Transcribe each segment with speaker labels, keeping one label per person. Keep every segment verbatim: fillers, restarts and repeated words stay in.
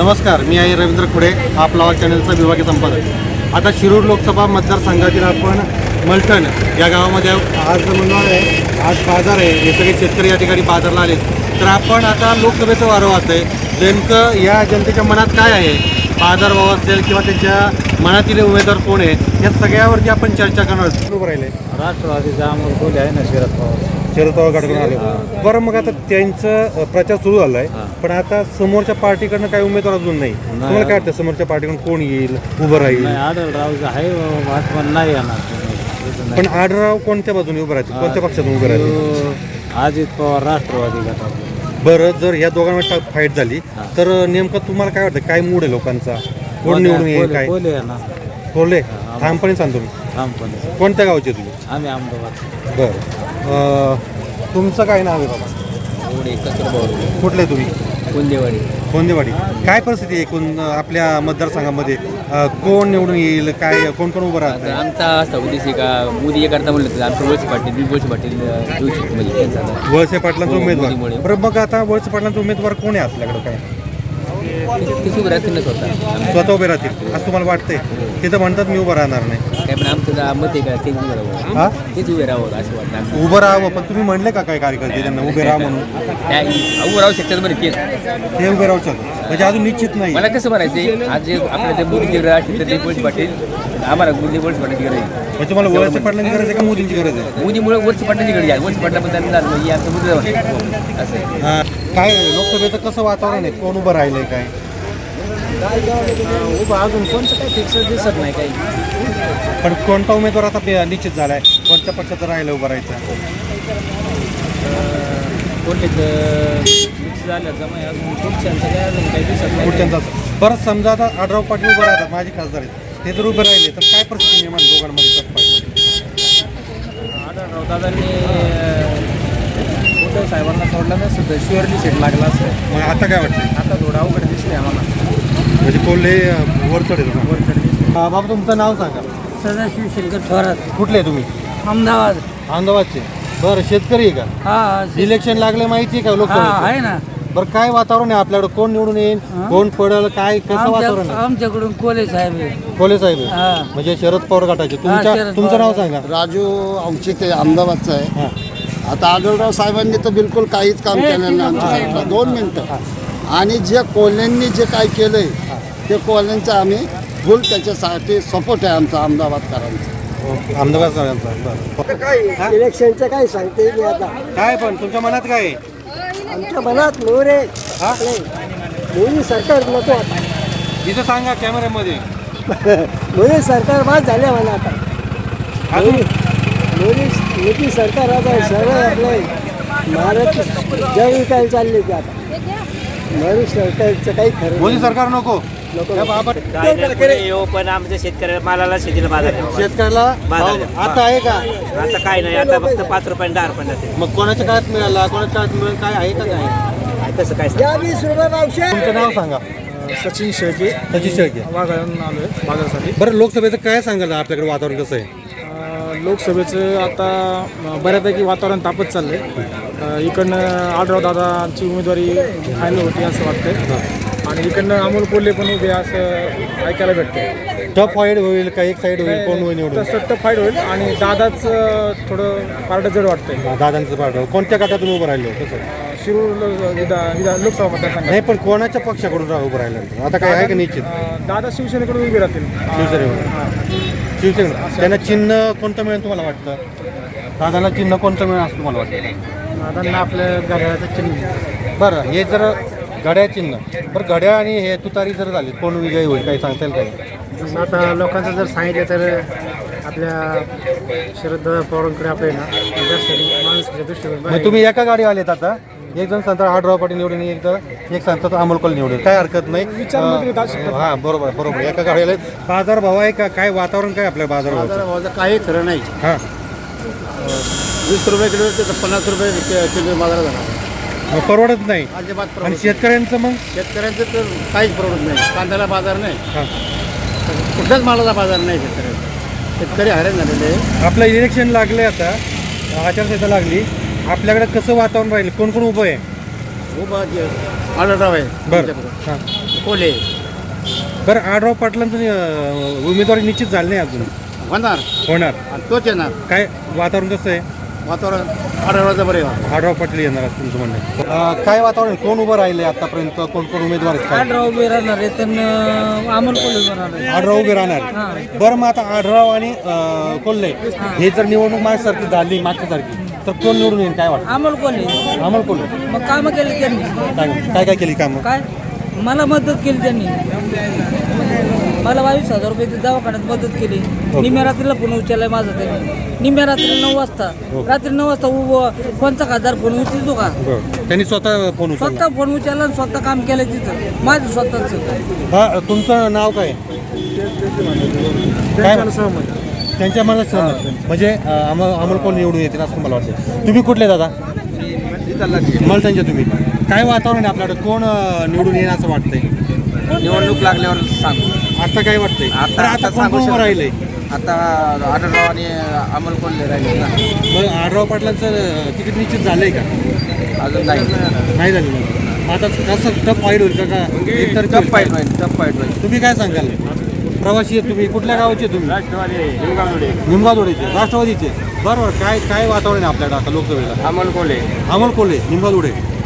Speaker 1: नमस्कार, मी आहे रवींद्र खुडे, आपला आवाज चॅनलचा विभागीय संपादक। आता शिरूर लोकसभा मतदारसंघातील आपण मलठण या गावामध्ये आज म्हणणार आहे, आज बाजार आहे, हे सगळे शेतकरी या ठिकाणी बाजारला आले। तर आपण आता लोकसभेचं वारं वाहत आहे, नेमकं या जनतेच्या मनात काय आहे, बाजारभाव असेल किंवा त्यांच्या मनातील उमेदवार कोण आहे, या सगळ्यावरती आपण चर्चा करणार आहोत। उभं राहिले
Speaker 2: राष्ट्रवादीचा अमोल कोल्हे आहे ना, शरद पवार
Speaker 1: शरद पवार गटाकडून आले। बरं, मग आता त्यांचा प्रचार सुरू झाला आहे, पण आता समोरच्या पार्टीकडनं काही उमेदवार अजून नाही। तुम्हाला काय वाटतं, समोरच्या पार्टीकडून कोण येईल, उभं राहील?
Speaker 2: आढळराव आहे, महात्मा नाही येणार।
Speaker 1: पण आढळराव कोणत्या बाजूने उभं राहतील, कोणत्या पक्षातून उभं राहतील?
Speaker 2: अजित पवार राष्ट्रवादी गटात।
Speaker 1: बरं, जर ह्या दोघांमध्ये फाईट झाली तर नेमकं तुम्हाला काय वाटतं, काय मूड आहे लोकांचा, कोण निवडून येईल? काय
Speaker 2: कोल्हे आहे ना,
Speaker 1: कोल्हे ठामपणे सांगतो मी।
Speaker 2: ठामपणे।
Speaker 1: कोणत्या गावचे तुम्ही?
Speaker 2: आम्ही अहमदाबाद।
Speaker 1: बरं, तुमचं काय नाव आहे बाबा? कुठले तुम्ही?
Speaker 2: कोंदेवाडी।
Speaker 1: कोंदेवाडी। काय परिस्थिती आहे एकूण आपल्या मतदारसंघामध्ये, कोण निवडून येईल, काय कोण कोण उभं राहतं?
Speaker 3: आमचा असा उद्देश आहे का मोदी करता म्हणलं तर आमचं वळसे पाटील बी वळसे पाटील देऊ शकतो म्हणजे त्यांचा
Speaker 1: वळसे पाटलांचा
Speaker 3: हो,
Speaker 1: उमेदवार।
Speaker 3: मोदीमुळे.
Speaker 1: बरं, मग आता वळसे पाटलांचा उमेदवार कोण आहे आपल्याकडं? काय
Speaker 3: ते उभं राहतील ना स्वतः
Speaker 1: स्वतः उभे राहतील असं तुम्हाला वाटतंय? ते तर म्हणतात मी उभं राहणार नाही।
Speaker 3: काय पण आमचं जर मत आहे का तेच उभं राहावं,
Speaker 1: हा,
Speaker 3: तेच उभे राहावं असं वाटतं आम्हाला.
Speaker 1: उभं राहावं, पण तुम्ही म्हणले का काय कार्यकर्ते त्यांना उभे राहा म्हणून?
Speaker 3: काय उभं राहू शकतात बरं तेच
Speaker 1: ते उभे राहू शकतो म्हणजे अजून निश्चित नाही।
Speaker 3: मला कसं म्हणायचं आज जे आपल्या ते मोदीची गरज असतील तर ते वळसे पाटील आम्हाला मोदी वळसे पाटलाची गरज आहे।
Speaker 1: म्हणजे तुम्हाला वळसे पाटलांची गरज आहे का मोदींची गरज आहे?
Speaker 3: मोदीमुळे वळसे पाटलाची गरज आहे, वळसे पाटलाबद्दल म्हणजे आमचं मुद्दा असं आहे।
Speaker 1: हा, काय लोकसभेचं कसं वातावरण आहे, कोण उभं राहिलंय काय?
Speaker 2: उभं अजून कोणतं काही फिक्स दिसत नाही काही।
Speaker 1: पण कोणता उमेदवार आता पे- निश्चित झालाय, कोणत्या पक्षाचं राहिलं उभं राहायचं?
Speaker 2: कोल्हे फिक्स झालं जमा, अजून पुढच्यांचं काय अजून काही दिसत नाही।
Speaker 1: पुढच्यांचा परत समजा आता आढळराव पाटील उभं राहतात, माझे खासदार आहेत, ते जर उभे राहिले तर काय परिस्थिती निर्माण दोघांमध्ये तत्पर?
Speaker 2: आढळराव दादांनी उद्धव साहेबांना सोडलं नाही सुद्धा शुअरली सीट लागला असतं।
Speaker 1: मग आता काय वाटतं?
Speaker 2: आता थोडं अवघड दिसते आम्हाला,
Speaker 1: म्हणजे कोल्हे वर चढेल का?
Speaker 2: वर चढ दिसते।
Speaker 1: बाबा, तुमचं नाव सांगा।
Speaker 2: सदाशिव शंकर थोरात,
Speaker 1: कुठले आहे तुम्ही?
Speaker 2: अहमदाबाद।
Speaker 1: अहमदाबादचे। बरं, शेतकरी आहे का?
Speaker 2: हा
Speaker 1: इलेक्शन लागले माहिती आहे का लोकसभेचं?
Speaker 2: आहे ना।
Speaker 1: बरं, काय वातावरण आहे आपल्याकडे, कोण निवडून येईल, कोण पडेल, काय कसं वातावरण आहे?
Speaker 2: आमच्याकडून कोल्हे साहेब आहे।
Speaker 1: कोल्हे साहेब आहे.
Speaker 2: हा.
Speaker 1: म्हणजे शरद पवार गटाचे। तुमच्या
Speaker 2: शरद
Speaker 1: तुमचं
Speaker 2: पवार.
Speaker 1: नाव सांगा।
Speaker 4: राजू औचित्य अहमदाबादचा आहे।
Speaker 1: हां,
Speaker 4: आता आढळराव साहेबांनी तर बिलकुल काहीच काम केलं नाही आमच्या साईडला। दोन मिनटं। आणि जे कोल्ह्यांनी जे काय केलं आहे ते कोल्ह्यांचं आम्ही फुल त्याच्यासाठी सपोर्ट आहे आमचा अहमदाबादकरांचा।
Speaker 1: ओके, अहमदाबाद साहेबांचा। बरं,
Speaker 5: इलेक्शनचं काय सांगते मी आता,
Speaker 1: काय पण तुमच्या मनात काय आहे?
Speaker 5: आमच्या मनात मोरे
Speaker 1: हा?
Speaker 5: मोदी सरकार नको आता,
Speaker 1: इथं सांगा कॅमेऱ्यामध्ये।
Speaker 5: मोदी सरकार बाद झाले मला आता।
Speaker 1: अजून
Speaker 5: मोदी मोदी सरकार आता सगळं आपलं महाराष्ट्र जग विकायला चालले ते आता। मोदी सरकारचं काही खरं
Speaker 1: मोदी
Speaker 5: नाही.
Speaker 1: सरकार नको
Speaker 5: नको.
Speaker 1: या बाबा,
Speaker 6: येऊ पण आमच्या शेतकऱ्याला मालाला शेतीला बाजार नाही बाबा.
Speaker 1: शेतकऱ्याला
Speaker 6: बाजार
Speaker 1: भाव
Speaker 6: द्या.
Speaker 1: आता आहे का?
Speaker 6: आता काय नाही, आता फक्त पाच रुपये दहा रुपये जाते.
Speaker 1: मग कोणाच्या काळात मिळाला, कोणाच्या काळात मिळेल, काय आहे का? काय
Speaker 6: काय तसं काय
Speaker 5: या वीस रुपये पावशे
Speaker 1: तुमचं नाव सांगा।
Speaker 2: सचिन शेळके,
Speaker 1: सचिन शेळके।
Speaker 2: वाघाळून आलो आहे बाजारासाठी।
Speaker 1: बरं, लोकसभेचं काय सांगाल, आपल्याकडे वातावरण कसं आहे?
Speaker 2: लोकसभेचं आता अं, बऱ्यापैकी वातावरण तापत चाललं आहे। इकडनं आढळराव दादाची उमेदवारी फायनल होती असं वाटतंय, आणि इकडनं अमोल कोल्हे पण उभे असं ऐकायला भेटते।
Speaker 1: टफ फाईट होईल का, एक साईड होईल, कोण होईल निवडून?
Speaker 2: तसं टफ फाईट होईल, आणि दादाच थोडं पारडं जड वाटतंय।
Speaker 1: दादांचं पाठ कोणत्या गटातून उभं राहिलो कसं?
Speaker 2: शिरूर लो- विधा- विधा- लोकसभा मतदारसंघात
Speaker 1: नाही, पण कोणाच्या पक्षाकडून रा- उभं राहिलं आता काय आहे का निश्चित?
Speaker 2: अं, दादा शिवसेनेकडून उभे राहतील।
Speaker 1: शिवसेनेकडून शिवसेना त्यांना चिन्ह कोणतं मिळेल तुम्हाला वाटतं? दादाला चिन्ह कोणतं मिळेल असं तुम्हाला वाटतं?
Speaker 2: दादांना आपल्या घड्याळाचं चिन्ह।
Speaker 1: बरं, हे जर घड्याळ चिन्ह, बरं घड्याळ आणि हे तुतारी जर झाली, कोण विजयी होईल काही सांगता येईल काही?
Speaker 2: जसं आता लोकांचं जर सांगितलं तर आपल्या शरद पवारांकडे आपले ना जास्त माणसाच्या दृष्टीने
Speaker 1: मग तुम्ही एका गाडी आलेत आता, एक जण सांगतात आढळराव पाटील निवडून, एक तर एक सांगतात अमोल कोल्हे निवडून, काय हरकत नाही। हां, बरोबर बरोबर, एका गाडी आले। बाजार भाव आहे का, काय वातावरण काय आपल्या बाजार भावाचं?
Speaker 4: काही खरं नाही।
Speaker 1: हां,
Speaker 4: वीस रुपये किलो ते पन्नास रुपये किलो बाजारात जाणार
Speaker 1: मग परवडत नाही।
Speaker 4: अजिबात
Speaker 1: आणि
Speaker 4: परवडत
Speaker 1: शेतकऱ्यांचं मग?
Speaker 4: शेतकऱ्यांचं तर काहीच परवडत नाही। कांद्याला बाजार नाही,
Speaker 1: हां,
Speaker 4: कुठल्याच मालाला बाजार नाही शेतकऱ्याला। शेतकरी हैराण झालेले आहे।
Speaker 1: आपलं इलेक्शन लागले, आता आचारसंहिता लागली, आपल्याकडे कसं वातावरण राहील, कोण कोण उभं आहे?
Speaker 4: खूप आढळराव आहे
Speaker 1: बरं, हां,
Speaker 6: कोले
Speaker 1: बरं आढराव पाटलांचं अं, उमेदवारी निश्चित झाली नाही अजून
Speaker 4: होणार
Speaker 1: होणार
Speaker 4: आणि तोच येणार
Speaker 1: काय वातावरण कसं आहे
Speaker 4: वातावरण आढळवायचं बरं आहे.
Speaker 1: आढराव पाटील येणार असं तुमचं म्हणणं आहे. अं, काय वातावरण कोण उभं राहिले आतापर्यंत कोण कोण उमेदवार आहेत काय?
Speaker 5: आढराव उभे राहणार आहे तर अमोल कोल्हे उभे राहणार आहे.
Speaker 1: आढराव उभे राहणार बरं मग आता आढराव आणि अं, कोल्हे हे जर निवडणूक माझ्यासारखी झाली मागच्यासारखी तर कोण निवडून येईल काय वाटतं
Speaker 5: अमोल कोल्हे
Speaker 1: अमोल कोल्हे
Speaker 5: मग कामं केली त्यांनी
Speaker 1: काय काय काय केली कामं
Speaker 5: काय मला मदत केली त्यांनी मला बावीस हजार रुपये दवाखान्यात मदत केली निम्या रात्रीला फोन उचललाय माझा त्यांनी निम्या रात्री नऊ वाजता रात्री नऊ वाजता उभं कोणता खासदार फोन उचलतो का
Speaker 1: बरं त्यांनी स्वतः फोन उचलला
Speaker 5: स्वतः फोन उचलला आणि स्वतः काम केलं तिथं माझं स्वतःच
Speaker 1: हा तुमचं नाव काय काय त्यांच्या मनात सहमत म्हणजे अं, अमोल अमोल कोण निवडून येतील असं मला वाटतं तुम्ही कुठले दादा मलटणचे तुम्ही काय वातावरण आहे आपल्याकडे कोण अं, निवडून येईल असं वाटतंय
Speaker 3: निवडणूक लागल्यावर सांगू
Speaker 1: आता काय वाटतंय
Speaker 3: आता-
Speaker 1: तर आता
Speaker 3: आता
Speaker 1: कोण
Speaker 3: सांगू
Speaker 1: कोण उभं
Speaker 3: शकत
Speaker 1: राहिलंय
Speaker 3: आता आढळराव आणि अमोल कोल्हे राहिले ना
Speaker 1: मग आढराव पाटलांचं अं, तिकीट निश्चित झालंय का
Speaker 3: अजून नाही
Speaker 1: नाही झालं मग आता कसं टफ फाईट होईल का का एकतर्फी
Speaker 3: टप
Speaker 1: होईल?
Speaker 3: फाईट होईल टप फाईट होईल
Speaker 1: तुम्ही काय सांगाल प्रवासी आहे तुम्ही कुठल्या गावचे तुम्ही निमगावदोडीचे राष्ट्रवादीचे बरोबर काय काय वातावरण आहे आपल्याकडे आता लोकसभेला
Speaker 3: अमोल कोल्हे
Speaker 1: अमोल कोल्हे निमगावदोडे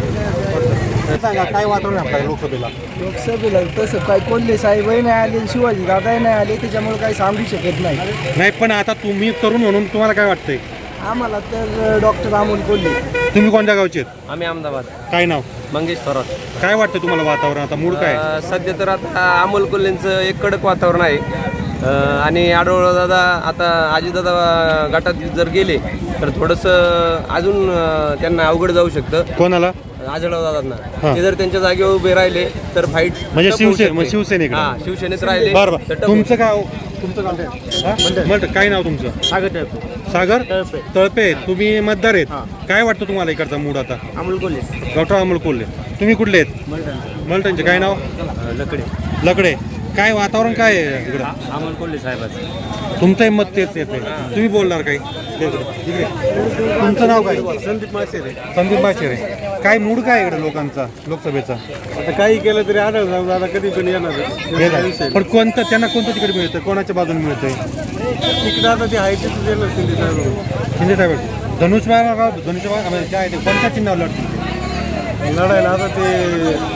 Speaker 1: सांगा काय वातावरण आहे आपल्याकडे लोकसभेला
Speaker 5: लोकसभेला तसं काय कोल्हे साहेबही नाही आले शिवाजी दादाही नाही आले त्याच्यामुळे काही सांगू शकत नाही
Speaker 1: नाही पण आता तुम्ही तरुण म्हणून तुम्हाला काय वाटतंय
Speaker 5: आम्हाला तर डॉक्टर अमोल कोल्हे
Speaker 1: तुम्ही कोणत्या गावचे आहेत
Speaker 6: आम्ही अहमदाबाद
Speaker 1: काय नाव
Speaker 6: मंगेश थोरात
Speaker 1: काय वाटतं तुम्हाला वातावरण आता मूड काय
Speaker 6: अ, सध्या तर आता अमोल कोल्हेंचं एक कडक वातावरण आहे अ, आणि आढळराव दादा आता अजितदादा गटात जर गेले तर थोडंसं अजून अ, त्यांना अवघड जाऊ शकतं
Speaker 1: कोणाला
Speaker 6: आढळराव
Speaker 1: हा.
Speaker 6: दादांना ते जर त्यांच्या जागेवर उभे राहिले तर फाईट
Speaker 1: म्हणजे शिवसेने म्हणजे शिवसेनेकडे
Speaker 6: हा शिवसेनेत राहिले
Speaker 1: बरं
Speaker 6: तर
Speaker 1: बरं
Speaker 6: टप
Speaker 1: तुमचं गाव तुमचं गाव हा? म्हणतं काय नाव तुमचं
Speaker 6: सागर
Speaker 1: सागर तळपे तुम्ही मतदार आहेत काय वाटतं तुम्हाला इकडचा मूड आता
Speaker 6: अमोल कोल्हे
Speaker 1: डॉक्टर अमोल कोल्हे तुम्ही कुठले आहेत मलटणचे काय नाव
Speaker 6: लकडे
Speaker 1: लकडे काय वातावरण काय आहे इकडं
Speaker 6: अमोल कोल्हे साहेबाचं
Speaker 1: तुमचंही मत तेच येते तुम्ही बोलणार काही इकडे. तुमचं नाव काय
Speaker 2: संदीप मासेरे
Speaker 1: संदीप बाचेरे काय मूड काय आहे इकडे लोकांचा लोकसभेचा
Speaker 2: आता काही केलं तरी आढळराव दादा कधी पण येणार
Speaker 1: हे झालं. पण कोणतं त्यांना कोणतं तिकीट मिळतं कोणाच्या बाजूने मिळतंय
Speaker 2: तिकडे आता ते आहे तिथं देणार शिंदे साहेब
Speaker 1: शिंदे साहेब धनुष्यबाग धनुष्यबाग म्हणजे काय ते कोणत्या चिन्हावर लढतील
Speaker 2: लढायला आता ते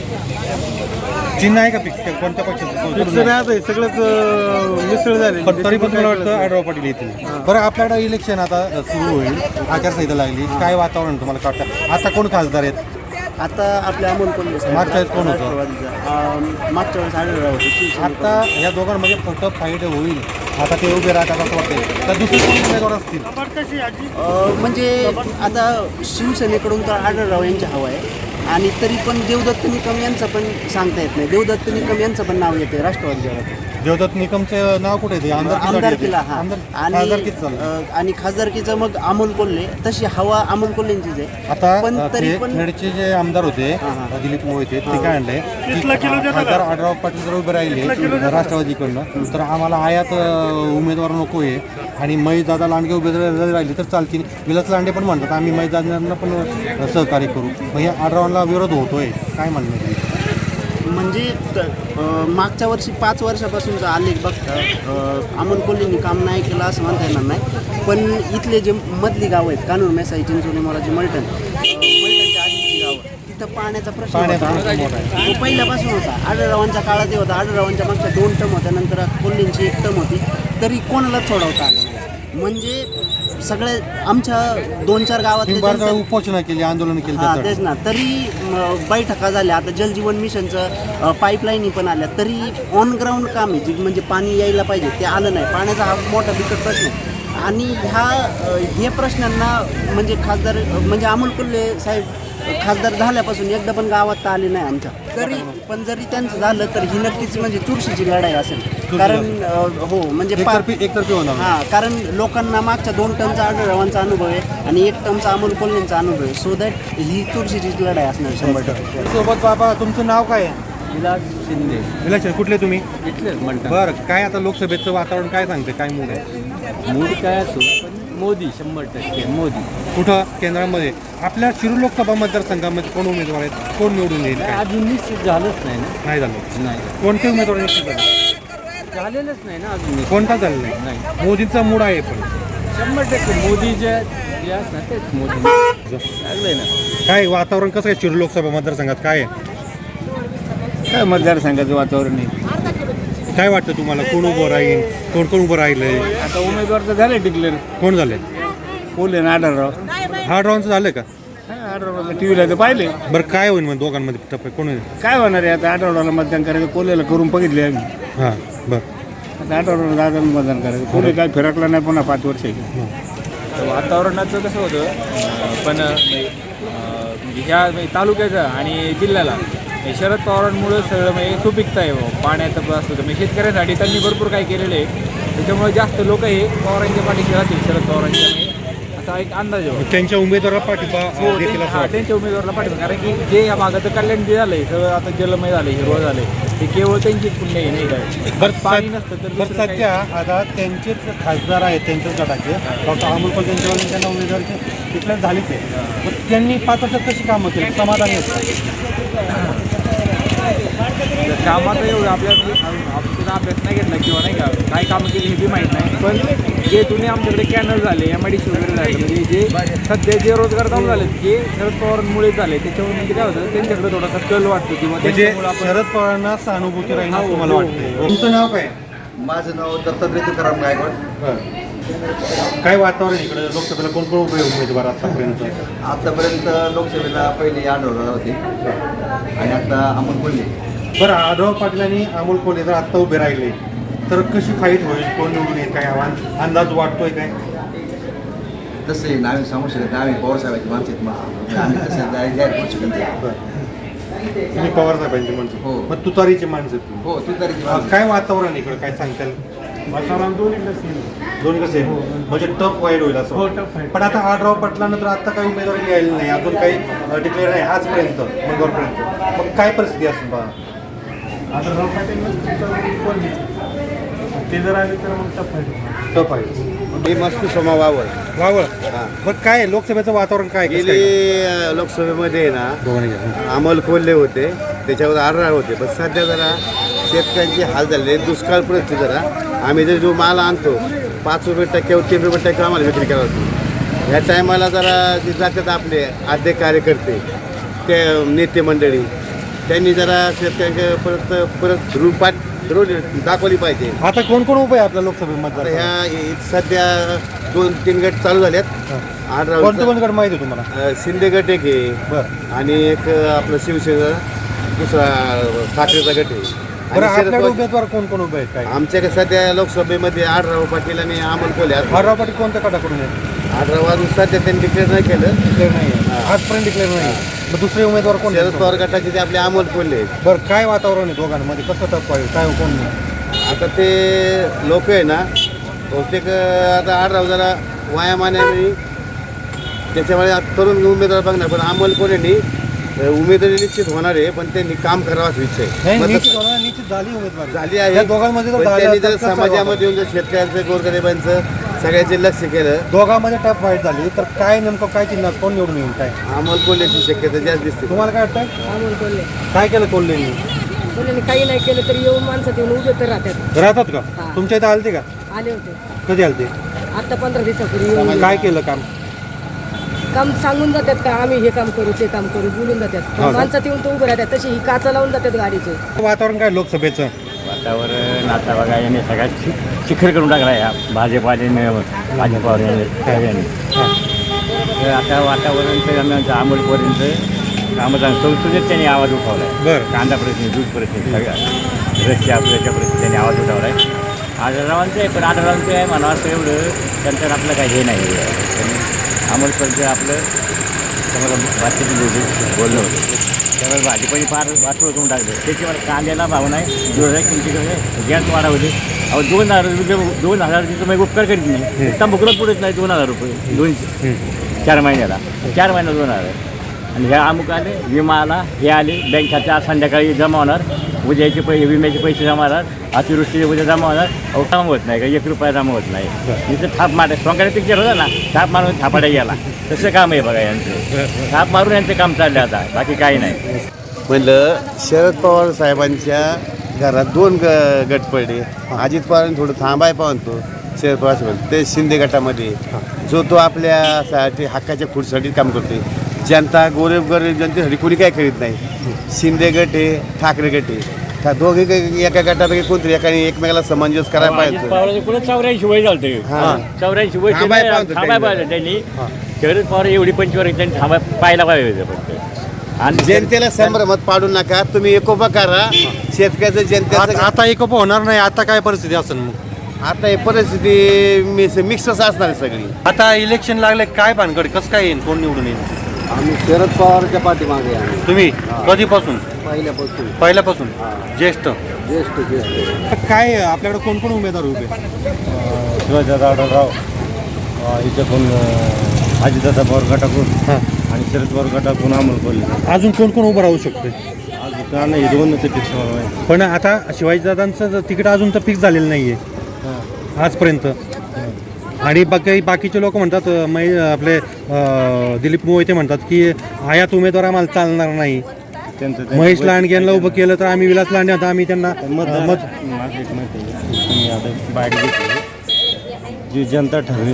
Speaker 1: चिन्ह आहे का फिक्स कोणत्या पक्षाचं
Speaker 2: फिक्स नाही आता हे सगळंच अं, मिसळ झाले
Speaker 1: पण तरी पण मला वाटतं आढराव पाटील येतील बरं आपल्याकडे इलेक्शन आता सुरू होईल आचारसंहिता लागली काय वातावरण तुम्हाला काय वाटतं आता कोण खासदार आहेत
Speaker 7: आता आपल्या अमोल कोल्हे साहेब
Speaker 1: मागच्या वेळेस कोण होतं?
Speaker 7: राष्ट्रवादीचा. अं, मागच्या वेळेस आढळराव होते शिवसेनेचे.
Speaker 1: आता या दोघांमध्ये फक्त फाईट होईल आता ते उभे राहतात असं वाटतं तर दुसरे कोण उमेदवार असतील
Speaker 7: अं, म्हणजे आता शिवसेनेकडून तर आढळराव यांची हवा आहे आणि तरी पण देवदत्त निकम यांचं पण सांगता येत नाही देवदत्त निकम यांचं पण नाव येते राष्ट्रवादीच्या गटात.
Speaker 1: देवदत्त निकमचं नाव कुठे येते
Speaker 7: आमदारकीला हा आणि
Speaker 1: आमदारकीच चाललं
Speaker 7: अं, आणि खासदारकीचं मग अमोल कोल्हे तशी हवा अमोल कोल्हेंचीच आहे
Speaker 1: आता
Speaker 7: पण तरी
Speaker 1: ते
Speaker 7: पण
Speaker 1: खेडचे जे आमदार होते दिलीप मोहिते ते काय आणले खासदार आढराव पाटील जर उभे राहिले राष्ट्रवादीकडनं तर आम्हाला आयात अं, उमेदवार नको आहे आणि महेश दादा लांडगे उभे जर राहिले तर चालतील विलास लांडे पण म्हणतात आम्ही महेश दादांना पण अं, सहकार्य करू मग या आढरावांना विरोध होतोय काय म्हणणं आहे तुमचं?
Speaker 7: म्हणजे त- अं, मागच्या वर्षी पाच वर्षापासूनचा आलेख बघता अं, अमोल कोल्हेंनी काम नाही केलं असं म्हणता येणार नाही पण इथले जे मधली गावं आहेत कानूर मेसाई चिंचोली मोराची मलटण अं, मलटणच्या आधीची गावं तिथं पाण्याचा प्रश्न
Speaker 1: पाण्याचा
Speaker 7: होता.
Speaker 1: प्रश्न मोठा आहे.
Speaker 7: तो पहिल्यापासून होता आढळरावांच्या काळात होता आढळरावांच्या मागच्या दोन टर्म होत्या नंतर कोल्हेंची एक टर्म होती तरी कोणालाच सोडवता आलं नाही म्हणजे सगळे आमच्या दोन चार गावातले
Speaker 1: तीन बार
Speaker 7: जनसं-
Speaker 1: उपोषणा केली आंदोलन केली
Speaker 7: हा
Speaker 1: त्यासाठी.
Speaker 7: तेच ना तरी म, बैठका झाल्या आता जलजीवन मिशनचं पाईपलाईनी पण आल्या तरी ऑन ग्राउंड काम आहे जी म्हणजे पाणी यायला पाहिजे ते आलं नाही पाण्याचा हा मोठा बिकट प्रश्न आहे आणि ह्या अ, हे प्रश्नांना म्हणजे खासदार म्हणजे अमोल कोल्हे साहेब खासदार झाल्यापासून एकदा पण गावात तर आले नाही आमच्या तरी पण जरी त्यांचं झालं तर ही नक्कीच म्हणजे चुरशीची लढाई असेल कारण अ, हो म्हणजे पा-
Speaker 1: एकतर्फी एकतर्फी होणार
Speaker 7: हा कारण लोकांना मागच्या दोन टनचा आढळरावांचा अनुभव आहे आणि एक टनचा अमोल कोल्हेंचा अनुभव आहे सो दॅट ही चुरशीची लढाई असणार शंभर टक्के
Speaker 1: सोबत बाबा तुमचं नाव काय आहे
Speaker 3: विलास शिंदे
Speaker 1: विलास कुठले तुम्ही
Speaker 3: इथलेच म्हणतात
Speaker 1: बरं काय आता लोकसभेचं वातावरण काय सांगते काय मूड आहे
Speaker 3: मूड काय असो पण मोदी शंभर टक्के मोदी.
Speaker 1: कुठं केंद्रामध्ये आपल्या शिरूर लोकसभा मतदारसंघामध्ये कोण उमेदवार आहेत, कोण निवडून येईल काय?
Speaker 3: अजून निश्चित झालंच नाही ना.
Speaker 1: नाही झालं.
Speaker 3: नाही
Speaker 1: कोणते उमेदवार निश्चित झाले?
Speaker 3: झालेलंच नाही ना अजून.
Speaker 1: कोणता झालं नाही?
Speaker 3: नाही
Speaker 1: मोदींचा मूड आहे पण
Speaker 3: शंभर टक्के मोदी जे जे असणार तेच मोदी लागलंय ना.
Speaker 1: काय वातावरण कसं आहे शिरूर लोकसभा मतदारसंघात काय आहे?
Speaker 3: काय मतदारसंघाचं वातावरण आहे.
Speaker 1: काय वाटतं तुम्हाला कोण उभं राहील, कोण कोण उभं राहिलंय,
Speaker 3: आता उमेदवार तर झाले डिक्लेअर.
Speaker 1: कोण झाले?
Speaker 3: कोल्हे ना आढळराव.
Speaker 1: हार्ड राऊंडचं झालं का?
Speaker 3: आढळरावला टी व्हीला तर पाहिले.
Speaker 1: बरं काय होईल मग दोघांमध्ये टप्पे कोण होईल?
Speaker 3: काय होणार आहे आता आढळरावला मतदान करायचं, कोल्हेला करून बघितले आम्ही.
Speaker 1: हां बरं.
Speaker 3: आता आढळराव दादाला मतदान करायचं. कोल्हे काय फिरकला नाही पुन्हा पाच वर्ष. वातावरणाचं कसं होतं अं, पण अं, ह्या म्हणजे तालुक्याचं आणि जिल्ह्याला हे शरद पवारांमुळं सगळं म्हणजे सुपिकता आहे बुवा. पाण्याचं पण असतं म्हणजे शेतकऱ्यांसाठी त्यांनी भरपूर काही केलेलं आहे. त्याच्यामुळे जास्त लोक हे पवारांच्या पाठीशी राहतील, शरद पवारांच्या म्हणजे असा एक अंदाज आहे.
Speaker 1: त्यांच्या उमेदवाराला पाठिंबा
Speaker 3: हो,
Speaker 1: देखील
Speaker 3: ते-
Speaker 1: असं
Speaker 3: हा,
Speaker 1: वाटतं.
Speaker 3: त्यांच्या उमेदवाराला पाठिंबा. कारण की जे या भागाचं कल्याण जे झालंय सगळं आता जलमय झालंय, हिरवं झालंय, ते केवळ त्यांचीच पुण्य आहे नाही काय.
Speaker 1: बरं
Speaker 3: पाणी
Speaker 1: सद-
Speaker 3: नसतं तर
Speaker 1: बरं
Speaker 3: दुसरं काही-
Speaker 1: सध्या आता त्यांचेच खासदार आहेत, त्यांच्याच गटाचे डॉक्टर अमोल कोल्हे त्यांच्यावर त्यांना उमेदवारी डिक्लेअर झालीच आहे. मग त्यांनी पाच वर्षात कशी कामं केली, समाधानी आहेत?
Speaker 3: कामाचं एवढं आपल्या आपण त्याचा अभ्यास नाही घेतला किंवा नाही का काय कामं केली हे बी माहीत नाही. पण जे जुने आमच्याकडे कॅनल झाले, एम आय डी सी वगैरे झाले, म्हणजे जे सध्या जे रोजगार चालू झाले ते शरद पवारांमुळे झाले. त्याच्यावर म्हणजे काय होतं त्यांच्याकडे थोडासा कल वाटतो किंवा
Speaker 1: म्हणजे
Speaker 3: त्यांच्यामुळं आपण
Speaker 1: शरद पवारांना सहानुभूती राहील असं
Speaker 3: हो,
Speaker 1: तुम्हाला
Speaker 3: हो,
Speaker 1: वाटतं. तुमचं नाव काय?
Speaker 8: माझं नाव दत्तात्रय तुकाराम गायकवाड.
Speaker 1: बरं. काय वातावरण आहे इकडे लोकसभेला कोण कोण उभे उमेदवार आतापर्यंत?
Speaker 8: आतापर्यंत लोकसभेला पहिले आढळराव होते आणि आता अमोल कोल्हे.
Speaker 1: बरं आढळराव पाटील आणि अमोल कोल्हे जर आत्ता उभे राहिले तर कशी फाईट होईल, कोण निवडून येईल, काय आव्हान अंदाज वाटतोय काय?
Speaker 8: तसे नावे सांगू शकत नाही, आम्ही पवारसाहेबांची माणसं आहेत मग आम्ही तसं जाहीर जाहीर करू शकत नाही.
Speaker 1: बरं. तुम्ही पवार साहेबांची माणसं.
Speaker 8: हो.
Speaker 1: मग तुतारीची माणसं तुम्ही.
Speaker 8: हो तू तरी
Speaker 1: हा, काय वातावरण इकडे काय सांगताल?
Speaker 2: वातावरण दोन्ही
Speaker 1: दोन्ही कसे म्हणजे टफ वाईट होईल असं?
Speaker 2: हो, tough fight.
Speaker 1: पण आता आढळराव पाटलानंतर आता काही उमेदवारी मिळाली नाही, अजून काही डिक्लेअर नाही आजपर्यंत मंगळवारपर्यंत. मग काय परिस्थिती असेल बा?
Speaker 2: आता राव पाटील कोण ते जर आले तर मग टफ आहे.
Speaker 1: टफ आहे.
Speaker 8: मी मस्त सोमा वावर.
Speaker 1: वावळ. बरं काय आहे? लोकसभेचं वातावरण काय कसं
Speaker 8: गेली
Speaker 1: काय?
Speaker 8: अ, लोकसभेमध्ये ना
Speaker 1: दोघांनी घ्या.
Speaker 8: अमोल कोल्हे होते, त्याच्यावर आढळराव होते. पण सध्या जरा शेतकऱ्यांची हाल झाले, दुष्काळ परिस्थिती जरा. आम्ही जर जो माल आणतो पाच रुपये टक्क्यावर तीन रुपये टक्के आम्हाला विक्री करावं लागते. ह्या टायमाला जरा जे जातात आपले आद्य कार्यकर्ते, ते नेते मंडळी, त्यांनी जरा शेतकऱ्यांकडे परत परत रूपात रोड दाखवली पाहिजे.
Speaker 1: आता कोण कोण उभे आहे आपल्या लोकसभेमध्ये?
Speaker 8: आता ह्या सध्या दोन तीन गट चालू झालेत.
Speaker 1: कोणते
Speaker 8: आढळराव
Speaker 1: कोणते गट माहिती आहे तुम्हाला?
Speaker 8: शिंदे गट एक आहे
Speaker 1: बरं.
Speaker 8: आणि एक आपलं शिवसेना दुसरा ठाकरेचा गट आहे.
Speaker 1: बरं
Speaker 8: आणि शरद
Speaker 1: आपल्याकडे
Speaker 8: पवार-
Speaker 1: उमेदवार कोण कोण उभे आहेत काय?
Speaker 8: आमच्याकडे सध्या लोकसभेमध्ये आढळराव पाटील आणि अमोल कोल्हे आहेत.
Speaker 1: आढळराव पाटील कोणत्या गटाकडून आहे?
Speaker 8: आढळराव अजून सध्या त्यांनी डिक्लेअर नाही केलं.
Speaker 1: डिक्लेअर नाही आहे. आजपर्यंत डिक्लेअर नाही. मग दुसरे उमेदवार कोण आहेत?
Speaker 8: शरद पवार गटाचे ते आपले अमोल कोल्हे आहेत.
Speaker 1: बरं काय वातावरण आहे दोघांमध्ये, कसं टप आहे, काय कोण नाही?
Speaker 8: आता ते लोक आहे ना बहुतेक आता आढळराव जरा वायामाने त्याच्यामुळे आता तरुण उमेदवार बघणार. पण अमोल कोल्हेंनी उमेदवारी निश्चित होणार आहे, पण त्यांनी काम करावं असं इच्छा आहे.
Speaker 1: नाही
Speaker 8: मग
Speaker 1: निश्चित होणार, निश्चित झाली उमेदवारी.
Speaker 8: झाली आहे.
Speaker 1: या दोघांमध्ये जर
Speaker 8: पण
Speaker 1: झालं
Speaker 8: त्यांनी
Speaker 1: तर
Speaker 8: जर
Speaker 1: कसं
Speaker 8: समाजामध्ये येऊन जर शेतकऱ्यांचं गोरगरिबांचं सगळ्यांचे लक्ष केलं.
Speaker 1: दोघांमध्ये टप फाईट झाली तर काय नेमकं काय चिन्ह कोण निवडून येईल काय
Speaker 8: अमोल कोल्हेची शक्यता जास्त दिसते.
Speaker 1: तुम्हाला काय वाटतं?
Speaker 5: अमोल कोल्हे
Speaker 1: काय केलं कोल्हेंनी?
Speaker 5: कोल्हेने काही नाही केलं तरी येऊन माणसात येऊन उभे तर राहतात.
Speaker 1: राहतात का?
Speaker 5: हा.
Speaker 1: तुमच्या इथे आलते का?
Speaker 5: आले होते
Speaker 1: कधी आलते?
Speaker 5: आता पंधरा दिवसापूर्वी येऊन
Speaker 1: काय केलं काम?
Speaker 5: काम सांगून जातात का आम्ही हे काम करू ते काम करू बोलून जातात.
Speaker 1: हा का?
Speaker 5: माणसात येऊन तो उभे राहतात, तशी ही काचा लावून जातात गाडीचे.
Speaker 1: वातावरण काय लोकसभेचं?
Speaker 3: वातावरण आता बघा याने सगळ्यात शि- शिखर करून टाकला या भाजपाने भाजपावर याने. तर आता वातावरण तर आमचं अमोलपर्यंत कामं संसदेत त्यांनी आवाज उठवला आहे.
Speaker 1: बरं.
Speaker 3: कांदा प्रश्न, दूध प्रश्न, सगळ्या रस्त्या आपल्याच्या प्रश्न त्यांनी आवाज उठवला आहे. आढळरावांचं आहे, पण आढळरावांचं आहे म्हणा असं एवढं त्यांचं आपलं काही हे नाही. अमोलपर्यंत आपलं त्यामुळे भाजपची बोलणं होतं. त्यामुळे भाजपने फार वाटोळ करून टाकलं. त्याच्यावर कांद्याला भाव नाही, दोन हजार किमतीकडे गॅस वाढवले. अहो दोन हजार रुपये दोन हजार रुपये तुम्ही उपकार करीत नाही. तंबाखूला पुढेच नाही दोन हजार रुपये दोन चार महिन्याला चार महिन्याला दोन हजार. आणि ह्या अमुक आले, विमा आला, हे आले, बँक खात्या संध्याकाळी जमा होणार, उद्याचे पैसे विम्याचे पैसे जमा होणार, अतिवृष्टीचे उद्या जमा होणार, अहो काम होत नाही का एक रुपया जमा होत नाही. इथं थाप मार सोंगाडे पिक्चर होता ना, थाप मारून थापाड्या गेला, तसं काम आहे बघा यांचं. थाप मारून यांचं काम चाललं आता, बाकी काही नाही.
Speaker 8: म्हणलं शरद पवार साहेबांच्या घरात दोन ग गट पडले. अजित पवारांनी थोडं थांबाय पाहतो शरद पवार साहेब ते शिंदे गटामध्ये जो तो आपल्यासाठी हक्काच्या खुर्चीसाठी काम करतोय. जनता गोरब गरीब जनतेसाठी कोणी काय करीत नाही. शिंदे गट आहे, ठाकरे गट आहे, का दोघे काही एका गटापैकी कोणतरी एकाने एकमेकाला समंजस करायला पाहिजे.
Speaker 3: पुढे चौऱ्याऐंशी वय झालते, चौऱ्याऐंशी वय
Speaker 8: थांबाय पाहिजे
Speaker 3: थांबाय पाहिजे त्यांनी. शरद पवार एवढी पंचवारी त्यांनी थांबाय पाहायला पाहिजे फक्त.
Speaker 8: आणि जनतेला संभ्रमात पाडू नका, तुम्ही एकोपा करा शेतकऱ्याचं जनतेचं.
Speaker 1: आता आता एकोपा होणार नाही. आता काय परिस्थिती असेल मग?
Speaker 8: आता ही परिस्थिती मिक्स मिक्सच असणार आहे सगळी.
Speaker 1: आता इलेक्शन लागले, काय भानगड, कसं काय येईल, कोण निवडून येईल?
Speaker 4: आम्ही शरद पवारच्या पाठीमागे आहे
Speaker 1: तुम्ही कधीपासून?
Speaker 4: पहिल्यापासून.
Speaker 1: पहिल्यापासून ज्येष्ठ.
Speaker 4: ज्येष्ठ ज्येष्ठ
Speaker 1: काय आपल्याकडे कोण कोण उमेदवार उभे?
Speaker 9: शिवाजीदादा आढळराव इथं अजितदादा पवार गटाकडून आणि शरद पवार गटाकडून अमोल कोल्हे.
Speaker 1: अजून कोण कोण उभं राहू शकते?
Speaker 9: अजून का नाही दोन ते फिक्स आहे.
Speaker 1: पण आता शिवाजीदादांचं तिकीट अजून तर फिक्स झालेलं नाहीये आजपर्यंत. आणि बाकी बाकीचे लोक म्हणतात, मै आपले अं, दिलीप मोहिते म्हणतात की आयात उमेदवार आम्हाला चालणार नाही.
Speaker 9: त्यांचं
Speaker 1: महेश लांडगेंना उभं केलं तर आम्ही विलास लांडगे आता आम्ही त्यांना
Speaker 9: मत
Speaker 1: मत
Speaker 9: माझं एक मत आहे, तुम्ही आता बाहेर घेतली जी जनता ठरवेल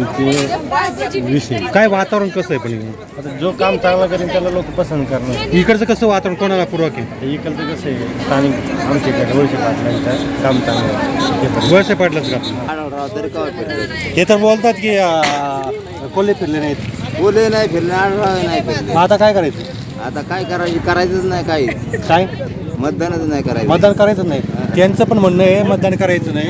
Speaker 9: ते विषय.
Speaker 1: काय वातावरण कसं आहे? पण
Speaker 9: आता जो काम चांगला करेल त्याला लोक पसंत करणार.
Speaker 1: इकडचं कसं वातावरण कोणाला पूरक आहे?
Speaker 9: इकडचं कसं आहे, स्थानिक आमच्याकडे वर्ष पाटलांचं काम चांगलं आहे.
Speaker 1: वळसे पाटलंच का? हे तर बोलतात की अं, कोल्हे फिरले नाहीत.
Speaker 7: बोले नाही फिरले, आढळराव नाही फिरले.
Speaker 1: मग आता काय करायचं?
Speaker 7: आता काय करायचं, करायचंच नाही काही,
Speaker 1: काय
Speaker 7: मतदानच नाही करायचं.
Speaker 1: मतदान करायचं नाही? त्यांचं पण म्हणणं आहे मतदान करायचं नाही.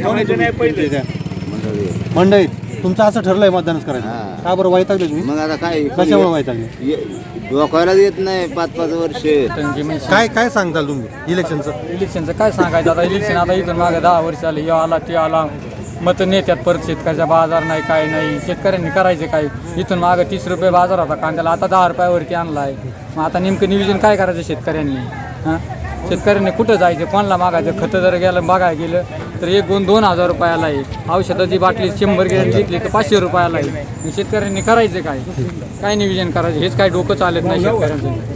Speaker 1: मंडळीत तुमचं असं ठरलंय मतदानच करायचं?
Speaker 7: हां.
Speaker 1: का बरं वैतागले तुम्ही?
Speaker 7: मग आता काय
Speaker 1: कशामुळे वैतागले?
Speaker 7: ये- डोकायला येत नाही पाच पाच वर्ष.
Speaker 1: काय काय सांगताल तुम्ही इलेक्शनचं?
Speaker 2: इलेक्शनचं काय सांगायचं आता? इलेक्शन आता इथून मागे दहा वर्ष आले, यो आला ते आला, मतं नेत्यात परत शेतकऱ्याचा बाजार नाही, काय नाही. शेतकऱ्यांनी करायचे काय? इथून मागं तीस रुपये बाजार होता कांद्याला, आता दहा रुपयावरती आणला आहे. मग आता नेमकं नियोजन काय करायचं शेतकऱ्यांनी? हां, शेतकऱ्यांनी कुठं जायचं, कोणाला मागायचं? खतं जर गेलं बघायला गेलं तर एक दोन दोन हजार रुपयाला आहे. औषधाची बाटली शंभर गेली घेतली तर पाचशे रुपयाला आहे. शेतकऱ्यांनी करायचं काय? काय नियोजन करायचं हेच काय डोकं चालत नाही शेतकऱ्यांचं.